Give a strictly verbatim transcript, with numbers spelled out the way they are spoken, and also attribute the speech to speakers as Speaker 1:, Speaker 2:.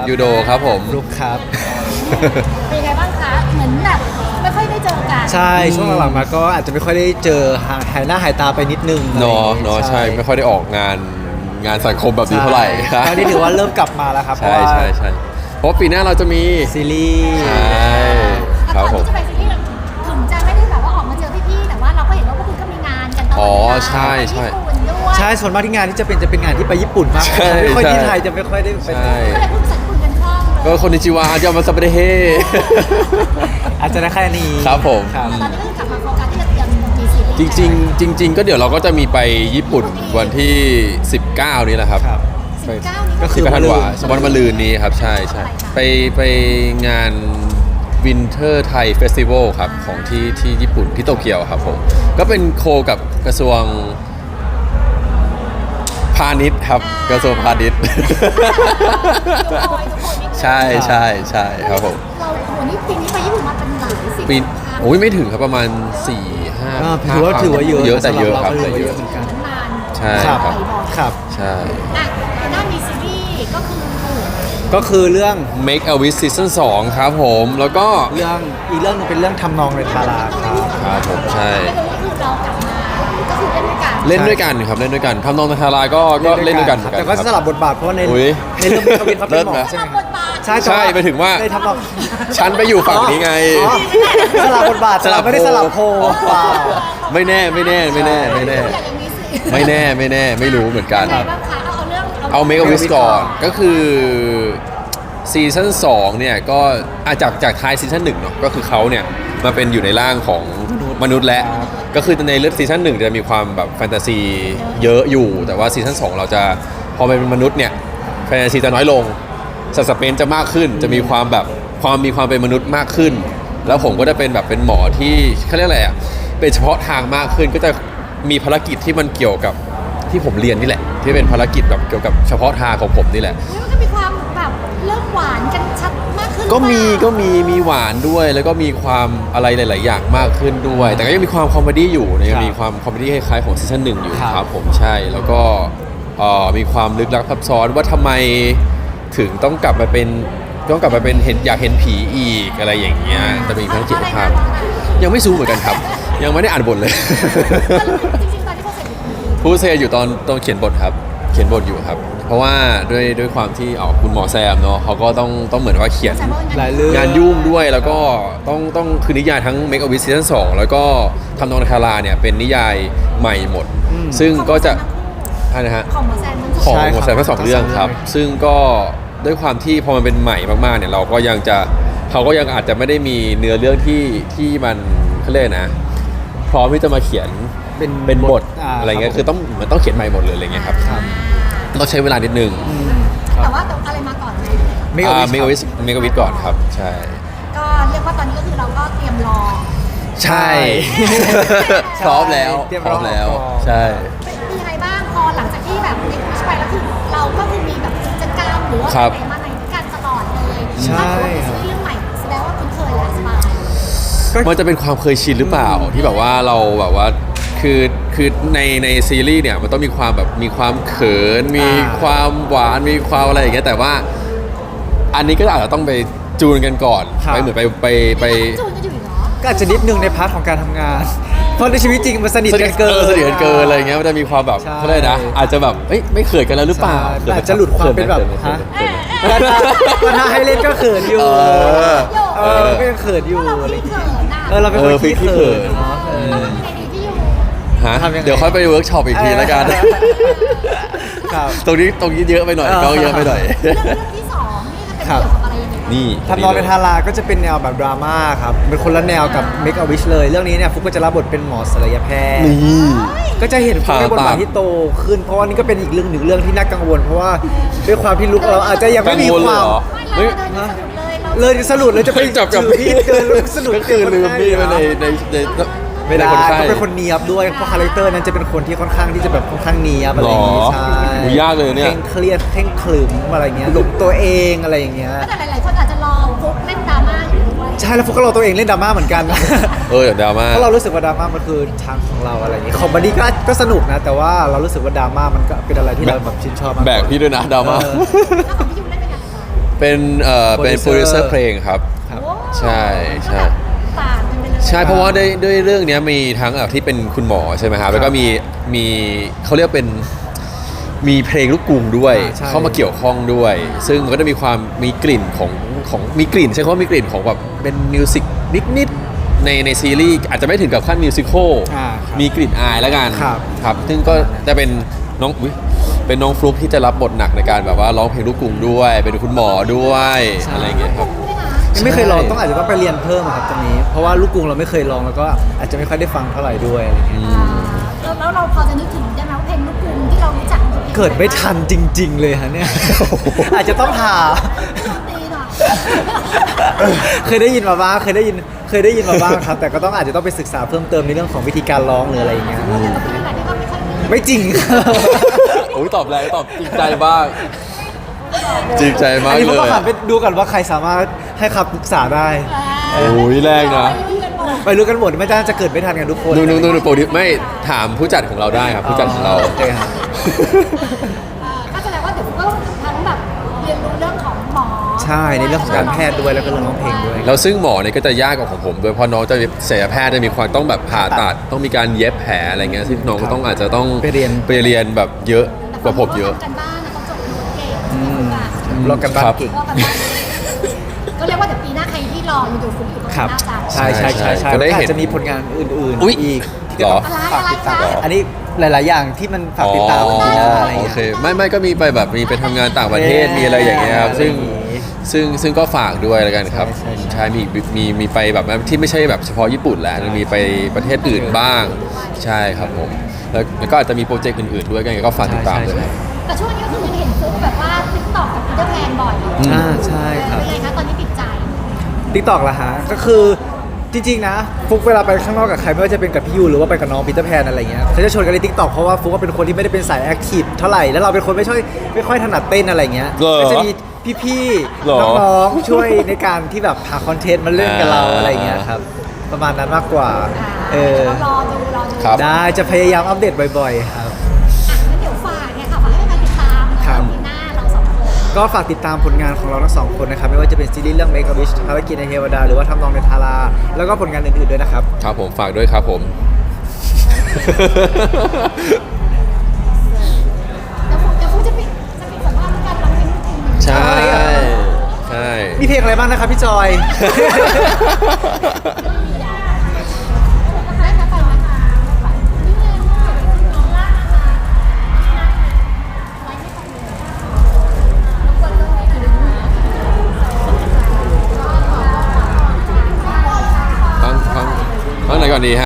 Speaker 1: ยูโดครับผม
Speaker 2: ลุกครับ
Speaker 3: เป็นยังไงบ้างคะเหมือนแบบไม่ค่อยได้เจอกัน
Speaker 2: ใช่ช่วงหลังๆมาก็อาจจะไม่ค่อยได้เจอหายหน้าหายตาไปนิดนึง
Speaker 1: เนาะเนาะใช่ไม่ค่อยได้ออกงานงานสังคมแบบนี้เท่าไหร่
Speaker 2: ใช่ตอนนี้ถือว่าเริ่มกลับมาแล้วครับ
Speaker 1: ใช่ใช่ใช่เพราะปีหน้าเราจะมี
Speaker 2: ซีรีส์
Speaker 1: ใช่ครับผม
Speaker 3: แต่ก่อนที่จะไปซีรีส์ถึงจะไม่ได้แบบว่าออกมาเจอพี่ๆแต่ว่าเราก็เห็นว่าพวกคุณก็มีงานกันตลอด
Speaker 1: อ๋อ
Speaker 3: เวลา
Speaker 1: ใช่ใช่
Speaker 3: ญี่ปุ่นด้วย
Speaker 2: ใช่ส่วนมากที่งานที่จะเป็นจะเป็นงานที่ไปญี่ปุ่นมาก
Speaker 1: ใช่
Speaker 2: ไม่ค่อยที่
Speaker 1: ใช่
Speaker 2: ไทยจะไม่ค่อยได้ไป
Speaker 1: ใช่
Speaker 3: ก็เลยพูดภาษาญี่ปุ่นกันคล่องเลย
Speaker 1: ก็คนนิจิวาจะมาสเปเดเฮ
Speaker 2: อาจจะได้แค่นี้
Speaker 1: ครับผม
Speaker 2: ครับ
Speaker 3: ตอนนี้ก็คือกลับมาโฟกัสที่จะเตรียมมีซีรีส์
Speaker 1: จริงๆจริง ๆ ก็เดี๋ยวเราก็จะมีไปญี่ปุ่นวันที่ สิบเก้า นี้แหละครับ
Speaker 2: ครับ
Speaker 3: สิบเก้านี้
Speaker 2: ก็
Speaker 3: ก็
Speaker 2: คื
Speaker 1: สิบ
Speaker 2: อ
Speaker 1: เก้าธันวาสมวันมะรืนนี้ครับใช่ใช่
Speaker 3: อะไรคะ
Speaker 1: ไปไปงานวินเทอร์ไทยเฟสติวัลครับของที่ที่ญี่ปุ่นที่โตเกียวครับผมก็เป็นโคกับกระทรวงพาณิชย์ครับกระทรวงพาณิชย์ ใช่ใช่ใช่ครับผม
Speaker 3: เราโอ้โหนี่ปีนี้ไปญี่ปุ่นมาเป็นหลายสิบ
Speaker 1: ปี
Speaker 3: ครั้ง
Speaker 1: โอ้ยไม่ถึงครับประมาณสี่ห้า
Speaker 2: อ่าถือว่าถือว่าเยอะ
Speaker 1: เยอะแต่เยอะครับ
Speaker 2: สำห
Speaker 1: แต่
Speaker 2: เราก็
Speaker 1: เย
Speaker 2: เย
Speaker 1: อะ
Speaker 2: อะเหมือนกัน
Speaker 3: นาน
Speaker 1: ใช่
Speaker 2: ครับ
Speaker 1: ครับ
Speaker 2: ครับ
Speaker 1: ใช่
Speaker 3: อ่ะทางด้านมีซีรีส์ก็คือ
Speaker 2: ก็คือเรื่อง
Speaker 1: Make a Wish Season สองครับผม แล้วก็
Speaker 2: เรื่องอีกเรื่องหนึงเป็นเรื่องทำนองในทาราครับ
Speaker 1: ครับผมใช่
Speaker 3: ไม่รู้ก็คือเรากลับมาก็คือเล่นด้วยกัน
Speaker 1: เล่นด้วยกันครับเล่นด้วยกันทำนองนาคาราก็ก็เล่นด้วยกันเหมือนกัน
Speaker 2: แต่ก็
Speaker 1: ครับ
Speaker 2: สลับบทบาทเพราะว่าใน
Speaker 1: อุ๊ย
Speaker 2: ในเรื่องทวินเขาเป็นหมอ
Speaker 1: เลิศนะ
Speaker 2: ใช่ไหม
Speaker 3: บทบาท
Speaker 2: ใช่
Speaker 1: ใช่ไปถึงว่า
Speaker 2: ในทำนอง
Speaker 1: ฉันไปอยู่ฝั่งนี้ไง
Speaker 2: อ๋อสลับบทบาท
Speaker 1: สลับ
Speaker 2: ไม่ได้
Speaker 1: โพ
Speaker 2: สลับโพลเปล่า
Speaker 1: ไม่แน่ไม่แน่ไม่แน่ไม่แน่
Speaker 3: อย่างนี้สิ
Speaker 1: ไม่แน่ไม่แน่ไม่รู้เหมือนกัน
Speaker 3: ยังไงบ้างคะเอาเอาเรื่อง
Speaker 1: เอา Make a Wish ก่อนก็คือซีซั่นสองเนี่ยก็อาจากจากท้ายซีซั่นหนึ่งเนาะก็คือเขาเนี่ยมาเป็นอยู่ในร่างของมนุษย์และก็คือในเรื่องซีซั่นหนึ่งจะมีความแบบแฟนตาซีเยอะอยู่ แต่ว่าซีซั่นสองเราจะพอเป็นมนุษย์เนี่ยแฟนตาซีจะน้อยลงสัตว์สเปนจะมากขึ้น จะมีความแบบความมีความเป็นมนุษย์มากขึ้น แล้วผมก็จะเป็นแบบเป็นหมอที่เขาเรียกอะไรอ่ะเป็นเฉพาะทางมากขึ้น ก็จะมีภารกิจที่มันเกี่ยวกับที่ผมเรียนนี่แหละ ที่เป็นภารกิจแบบเกี่ยวกับเฉพาะทางของผมนี่แหละ
Speaker 3: อุ๊ยมันก็มีความแบบเริ่มหวานกันชัดมากขึ้น
Speaker 1: ก็มี
Speaker 3: หรือเป
Speaker 1: ก็
Speaker 3: ล่า
Speaker 1: มีมีหวานด้วยแล้วก็มีความอะไรหลาย ๆ อย่างมากขึ้นด้วย แต่ก็ยังมีความคอมเมดี้อยู่นะยังมีความคอมเมดี้คล้าย ๆ ของซีซั่นหนึ่งอยู่
Speaker 2: ครับ
Speaker 1: ครับผมใช่แล้วก็เอ่อมีความลึกลับซับซ้อนว่าทำไมถึงต้องกลับมาเป็นต้องกลับมาเป็นเห็นอยากเห็นผีอีกอะไรอย่างเงี้ยแต่มีทั้งจิตภาพยังไม่ซู้เหมือนกันครับ ยังไม่ได้อ่านบทเลย
Speaker 3: จริงๆตอนที่เขาเสร็จอยู่
Speaker 1: ผู้เซอยู่ตอนตอนเขียนบทครับ เขียนบทอยู่ครับ เพราะว่าด้วยด้วยความที่ออกคุณหมอแซมเนาะเขาก็ต้องต้องเหมือนว่าเขียน
Speaker 3: แซมเปิล
Speaker 2: หลายเรื่อง
Speaker 1: งานยุ่งด้วยแล้วก็ต้องต้องคือนิยายทั้ง Make a Wish Season สองแล้วก็ทำนองนาคาราเนี่ยเป็นนิยายใหม่หมด
Speaker 2: อืม
Speaker 1: ซึ่งก็จะอ่านะฮะ
Speaker 3: ของหมอแซมมัน
Speaker 1: ของ
Speaker 2: ใช่ครับ
Speaker 1: หมดแซมทั้งสองเรื่องครับ ซึ่งก็ด้วยความที่พอมันเป็นใหม่มากๆเนี่ยเราก็ยังจะเขาก็ยังอาจจะไม่ได้มีเนื้อเรื่องที่ที่มันเขาเรียกนะ พร้อมที่จะมาเขียน
Speaker 2: เป็น
Speaker 1: เป็นบท
Speaker 2: า
Speaker 1: อะไรเงี้ย
Speaker 2: บ
Speaker 1: คือต้องเหมือนต้องเขียนใหม่หมดเลยอะไรเงี้ยครับ
Speaker 2: ครับ
Speaker 1: ต้องใช้เวลานิดนึง
Speaker 2: อืมค
Speaker 3: แต่
Speaker 2: รับ
Speaker 3: ว่าอะไรมาก่อนเลย
Speaker 2: Make a
Speaker 1: อ่า
Speaker 2: Wish
Speaker 1: เมก
Speaker 2: ครับ
Speaker 1: วิสเมกวิสก่อนครับ ใช่
Speaker 3: ก็เรียกว่าตอนนี้ก็คือเราก็เตรียมรอ
Speaker 1: ใช่ พร้อมแล้ว
Speaker 2: เตรียม
Speaker 1: พร้อมแล้ว
Speaker 2: รอ
Speaker 1: ใช่
Speaker 3: เป็นยังไงบ้างพอหลังจากที่แบบเด็กวิชไปแล้วคือเราก็คือมีแบบกิจกรรมหรือว่า
Speaker 1: ครับ
Speaker 3: ไปไหนมาไหนด้วยกันตลอดเลย
Speaker 2: ใช่
Speaker 3: ถ้าเกิดว่าเป็นซีรีส์เรื่องใหม่แสดงว่าคุณเคยแหละสบาย
Speaker 1: มันจะเป็นความเคยชินหรือเปล่าที่แบบว่าเราแบบว่าคือคือในในซีรีส์เนี่ยมันต้องมีความแบบมีความเขิน มี
Speaker 2: อ่า
Speaker 1: ความหวานมีความอะไรอย่างเงี้ยแต่ว่าอันนี้ก็อาจจะต้องไปจูนกันก่อน
Speaker 2: ครับ
Speaker 1: ไปเหมือนไปไปไป
Speaker 3: จูนกันอยู่อีกเหรอ
Speaker 2: ก็อาจจะนิดนึงในพาร์ทของการทำงาน เพราะในชีวิตจริงมันสนิท
Speaker 1: สนิ
Speaker 2: กั
Speaker 1: ท
Speaker 2: น
Speaker 1: เกิ
Speaker 2: เกิ
Speaker 1: น
Speaker 2: น
Speaker 1: สนิทกันเกินอะไรอย่างเงี้ยมันจะมีความแบบ
Speaker 2: ใช่
Speaker 1: เขาเรียกนะอาจจะแบบเอ้ยไม่เขินกันแล้วหรือเปล่า
Speaker 2: ใช่อาจจะหลุดความเป็นแบบ
Speaker 1: ขิ
Speaker 2: ฮะ
Speaker 1: ขินเขิน
Speaker 2: ก็ถ้าให้เล่นก็เขินอยู่
Speaker 1: เออ
Speaker 2: เออก็ยังเขินอยู่
Speaker 3: เรา
Speaker 2: อะไร
Speaker 3: พี่
Speaker 2: อย่าง
Speaker 3: เขิ
Speaker 2: เงี้ย
Speaker 3: นน่ะ
Speaker 2: เออเราเป็นคน
Speaker 1: เออ
Speaker 2: ขี้
Speaker 1: ขี้เขิ
Speaker 2: เขิน
Speaker 1: น
Speaker 2: เนาะเออ
Speaker 3: เราเป็นไงดีที่อยู่
Speaker 1: ฮะ
Speaker 2: ทำยังไง
Speaker 1: เดี๋ยวค่อยไปเวิร์กช็อปอีกทีแล้วกัน
Speaker 2: ครับ
Speaker 1: ตรงนี้ตรงนี้เยอะไปหน่อย
Speaker 2: เออ
Speaker 1: ก็เยอะไปหน่อย
Speaker 3: เรื่องเรื่องที่สองนี่จะเป็นเกี่ยวกับอะไรยังไงบ้าง
Speaker 1: นี่
Speaker 2: ทำนองในทาราก็จะเป็นแนวแบบดราม่าครับ เป็นคนละแนวกับ Make a Wish เลย เรื่องนี้เนี่ยฟุกก็จะรับบทเป็นหมอศัลยแพทย์
Speaker 1: นี่
Speaker 2: ก็จะเห็นฟุกในบทบาท
Speaker 1: ผ่าตัด
Speaker 2: ที่โตขึ้น เพราะว่านี่ก็เป็นอีกเรื่องหนึ่งเรื่องที่น่ากังวล เพราะว่าด้วยความที่ลุกเราอาจจะยังไม่มี
Speaker 1: กังวล
Speaker 2: ค
Speaker 1: เล
Speaker 2: วาย ม
Speaker 1: เหรอ
Speaker 3: ไม่
Speaker 1: เฮ้ย
Speaker 3: เราเดินสะดุดเลยเรา
Speaker 2: เลยสรุปเลยจะไป
Speaker 1: จับกับ
Speaker 2: ถือมีดเดินสรุป
Speaker 1: ก็คือลืมมีดไปในในใน
Speaker 2: ไม่ได้
Speaker 1: ในคนไข้
Speaker 2: ต้องเป็นคนเนียบด้วย เพราะคาแรคเตอร์นั้นจะเป็นคนที่ค่อนข้างที่จะแบบค่อนข้างเนียบอะไรอย่างงี้
Speaker 1: หรอ
Speaker 2: ใช่
Speaker 1: โหยากเลยเนี่ย
Speaker 2: เคร่งเครียดเคร่งขรึมอะไรอย่างเงี้ยหลงตัวเองอะไรอย่างเงี้ย
Speaker 3: แต่หลายๆคนอาจจะรอฟุกเล่นดราม่าอยู่ด้วย
Speaker 2: ใช่แล้วฟุกก็เราตัวเองเล่นดราม่าเหมือนกัน
Speaker 1: เออเดี๋ยวดราม่า
Speaker 2: เพราะเรารู้สึกว่าดราม่ามันคือทางของเราอะไรอย่างงี้คอมเมดี้ก็ก็สนุกนะ แต่ว่าเรารู้สึกว่าดราม่ามันก็เป็นอะไรที่เราแบบชื่นชอบมาก
Speaker 1: แบกพี่ด้วยนะดราม่า
Speaker 2: เออ
Speaker 3: แล้วของพี่ยูเล่นเป็นยังไงบ้าง
Speaker 1: เป็นเอ่อเป็นโปรดิวเซอ
Speaker 2: Producer
Speaker 1: ร์เพลงครับ
Speaker 2: ครับ
Speaker 3: โอ้
Speaker 1: ใช่ใช่
Speaker 3: ต่างกันไปเลย
Speaker 1: ใช่เพราะว่าด้วยด้วยเรื่องเนี้ยมีทั้งเอ่อที่เป็นคุณหมอใช่ไหมครับแล้วก็มีมีเขาเรียกเป็นมีเพลงลูกกรุงด้วย
Speaker 2: อ่าใช่
Speaker 1: เข้ามาเกี่ยวข้องด้วย ซึ่งมันก็จะมีความมีกลิ่นของของมีกลิ่นใช่คำว่ามีกลิ่นของแบบเป็นมิวสิกนิดๆในในซีรีส์อาจจะไม่ถึงกับขั้นมิวสิควล
Speaker 2: อ่าครับ
Speaker 1: มีกลิ่นอายแล้วกัน
Speaker 2: ครับ
Speaker 1: ครับซึ่งก็จะเป็นน้องอุ๊ยเป็นน้องฟลุ๊กที่จะรับบทหนักในการแบบว่าร้องเพลงลูกกรุงด้วย เป็นคุณหมอด้วยอะไรอย่างเงี้ยครับ
Speaker 3: ด้วยนะ
Speaker 2: ยังไม่เคยลอง
Speaker 1: ใช่
Speaker 2: ต้องอาจจะต้องไปเรียนเพิ่มอะครับตรงนี้ เพราะว่าลูกกรุงเราไม่เคยลองแล้วก็อาจจะไม่ค่อยได้ฟังเท่าไหร่ด้วยอะไรเงี้ย
Speaker 3: อ่าแล้วแล้วเราพอจะนึกถึงได้ไหมว่าเพลงลูกกรุงที่เรารู้จักมันคือพลง
Speaker 2: เกิดไม่ทันจริง ๆ เลยฮะเนี่ย อาจจะต้องหา
Speaker 3: ตีหน่อย
Speaker 2: เคยได้ยินมาบ้างเคยได้ยินเคยได้ยินมาบ้างครับ แต่ก็ต้องอาจจะต้องไปศึกษาเพิ่มเติมในเรื่องของวิธีการร้องหรืออะไรอย่างเงี้ย
Speaker 3: แต่ก็เป็นอะไรที่ก็ไม่ค่อยมี
Speaker 2: ไม่จริง
Speaker 1: โอ้ยตอบแรงตอบจริงใจบ้างจริงใจมาก
Speaker 2: อันนี้ผม
Speaker 1: เล
Speaker 2: ก็
Speaker 1: ย
Speaker 2: หันไปดูกันว่าใครสามารถให้คำปรึกษาได้
Speaker 1: โอ้ยแรงนะ
Speaker 2: ไปรู้กันหมดไม่น่าจะเกิดไม่ทันกันทุกคน
Speaker 1: นูนูนูนูโปรดิวไม่ถามผู้จัดของเราได้ครับผู้จัดของเรา
Speaker 2: โอเคครับ
Speaker 3: ก็แสดงว่าเดี๋ยวคุณก็ทั้งแบบเรียนรู้เรื่องของหมอ
Speaker 2: ใช่ในเรื่องของการแพทย์ด้วยแล้วก็เรื่องร้องเพลงด้วย
Speaker 1: แล้วซึ่งหมอเนี่ยก็จะยากกว่าของผมด้วยเพราะน้องจะศัลยแพทย์จะมีความต้องแบบผ่าตัดต้องมีการเย็บแผลอะไรเงี้ยซึ่งน้องก็ต้องอาจจะต้อง
Speaker 2: ไปเรียน
Speaker 1: ไปเรียนแบบเยอะกว่าผมเยอะ
Speaker 3: กันบ้านนะเขาจบโน้ตเก่ง
Speaker 2: อืม
Speaker 3: อ่ะ
Speaker 2: ลองกันบ้านเก่ง
Speaker 3: ก็กันบ้านก็เรียกว่าเดี๋ยวปีหน้าใครที่รออยู่ดูคุณอยู่ตรง
Speaker 2: ครับ
Speaker 3: หน้าจา
Speaker 2: ใช่ใช่ใช่ใช่
Speaker 1: ก็ได้
Speaker 2: แล้วก็
Speaker 1: เห็
Speaker 2: อาน จจะมีผลงานอื่น
Speaker 1: อุ๊ย
Speaker 2: ๆอีกที่
Speaker 1: เหรอ
Speaker 2: ก็ต้องฝากติดตาม
Speaker 3: อะไรคะ
Speaker 2: อันนี้หลาย ๆ อย่างที่มันฝากติดตาม
Speaker 1: อ๋อ
Speaker 2: ปีหน้าอะไร
Speaker 1: โอ
Speaker 2: เงี้ย
Speaker 1: เคไม่ไม่ก็มีไปแบบมีไปทำงานต่างประเทศ
Speaker 2: เอ๊ะ
Speaker 1: มีอะไรอย่างเงี้ยครับซึ่ง
Speaker 2: อะไรอย่างงี้
Speaker 1: ซึ่งซึ่งก็ฝากด้วยแล้วกันครับ
Speaker 2: ใช่ใช่ใช่
Speaker 1: ใช่มีมีมีไปแบบที่ไม่ใช่แบบเฉพาะญี่ปุ่นแหละมีไปประเทศอื่นบ้างใช่ครับผมแล้วแล้วก็อาจจะมีโปรเจกต์อื่นๆด้วยกันก็ฝากติดตามด้วยครับ
Speaker 3: แต่ช่วงนี้ก็คือยังเห็นฟุ๊กแบบว่าติ๊กต็อกกับพีเตอร์แพนบ่อย
Speaker 2: อ่าใช่ครับ
Speaker 3: เป็นไงคะตอนนี้ติดใจ
Speaker 2: ทิกตอกละฮะก็คือจริง ๆ นะ ฟุกเวลาไปข้างนอกกับใครไม่ว่าจะเป็นกับพี่ยูหรือว่าไปกับน้องปีเตอร์แพนอะไรเงี้ยเขาจะชวนกันในทิกตอกเพราะว่าฟุกก็เป็นคนที่ไม่ได้เป็นสายแอคทีฟเท่าไหร่แล้วเราเป็นคนไม่ช่วยไม่ค่อยถนัดเต้นอะไรเงี้ย
Speaker 1: เหรอ
Speaker 2: ก็จะมีพี่
Speaker 1: เหรอ
Speaker 2: ๆน้องๆช่วยในการที่แบบหาคอนเทนต์มาเล่นกับเรา
Speaker 1: อ่า
Speaker 2: อะไรเงี้ยครับประมาณนั้นมากกว่า
Speaker 3: อ่า
Speaker 2: เออ
Speaker 3: เรารอดูรอดู
Speaker 1: ครับ
Speaker 2: ได้จะพยายามอัปเดตบ่อยๆครับ
Speaker 3: อ่ะงั้นเดี๋ยวฝากเนี่ยค่ะฝากให้แฟนๆติดตาม
Speaker 2: ครับ
Speaker 3: ปีหน้าเราสองคน
Speaker 2: ก็ฝากติดตามผลงานของเราทั้งสองคนนะครับไม่ว่าจะเป็นซีรีส์เรื่อง Make a Wish ภารกิจในเทวดาหรือว่าทำนองในทาราแล้วก็ผลงานอื่นๆด้วยนะครับ
Speaker 1: ครับผมฝากด้วยครับผม
Speaker 3: แล้วฟุ๊กเดี๋ยวฟุ๊กจะปิดจะปิดสัมภาษณ์ด้วยการร้องเพลงลูกทุ่ง
Speaker 1: ใช่ใช่
Speaker 2: มีเพลงอะไรบ้างนะครับพี่จอย
Speaker 3: ได้ค่ะไปไหมคะไปนี่ไงน้องล่านะคะไว้ให้ฟังเลยรบกวนเรื่องนี้หน่อยได้ไหม
Speaker 1: ฟังฟังฟังไหนก่อนดีฮะ